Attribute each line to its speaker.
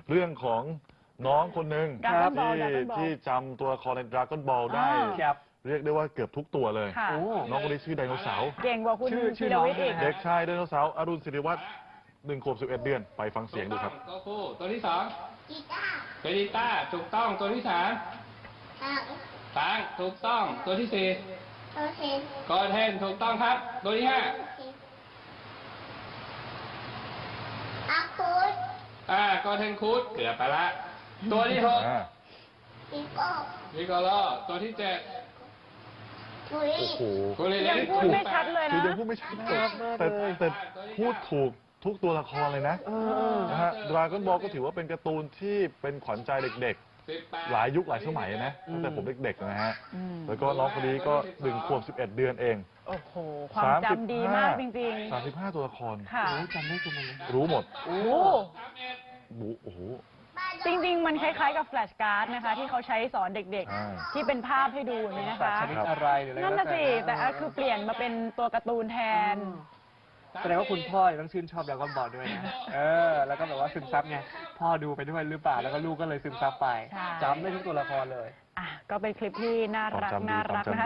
Speaker 1: เรื่องของน้องคนหนึ่ง
Speaker 2: Dragon Ball
Speaker 1: ที่จำตัวละครใน Dragon Ball ได้ เรียกได้ว่าเกือบทุกตัวเลย น้องคนนี้ชื่อไดโนเสาร์
Speaker 2: เก่งกว่าคุณธีรวิทย์อีก
Speaker 1: เด็กชายไดโนเสาร์อรุณศิริวัฒน์1 ขวบ 11 เดือนไปฟังเสียงดูครับ
Speaker 3: ตัวคู่ตัวที่2กีตาร์เบลิต้าถูกต้องตัวที่3ตังถูกต้องตัวที่4กอเทนถูกต้องครับตัวที่5กอเทนคูดเกือบไปละตัวที่6นิโกโลตัวที่7
Speaker 1: โอ้โห
Speaker 2: ยังพูดไม่ชัดเลยนะ
Speaker 1: คือยังพูดไม่ชัดแต่พูดถูกทุกตัวละครเลยนะนะฮะ Dragon Ball ก็ถือว่าเป็นการ์ตูนที่เป็นขวัญใจเด็กๆหลายยุคหลายสมัยนะตั้งแต่ผมเด็กๆนะฮะแล้วก็น้องคนนี้ก็1 ขวบ 11 เดือนเอง
Speaker 2: โอ้โหความจำดีมากจริง
Speaker 1: ๆ35 ตัวละคร
Speaker 2: ค่ะ
Speaker 1: จำได้ทุกคนรู้หมดโอ้โห
Speaker 2: จริงๆมันคล้ายๆกับแฟลชการ์ดนะคะที่เขาใช้สอนเด็กๆที่เป็นภาพให้ดูนี่นะคะ
Speaker 4: ชนิดอะไรหรืออะไร
Speaker 2: นั่นน่ะสิแต่คือเปลี่ยนมาเป็นตัวการ์ตูนแทน
Speaker 4: แสดงว่าคุณพ่อต้องชื่นชอบDragon Ballด้วยนะแล้วก็แบบว่าซึมซับไงพ่อดูไปด้วยหรือเปล่าแล้วก็ลูกก็เลยซึมซับไปจำได้ทุกตัวละครเลย
Speaker 2: ก็เป็นคลิปที่น่ารักนะคะ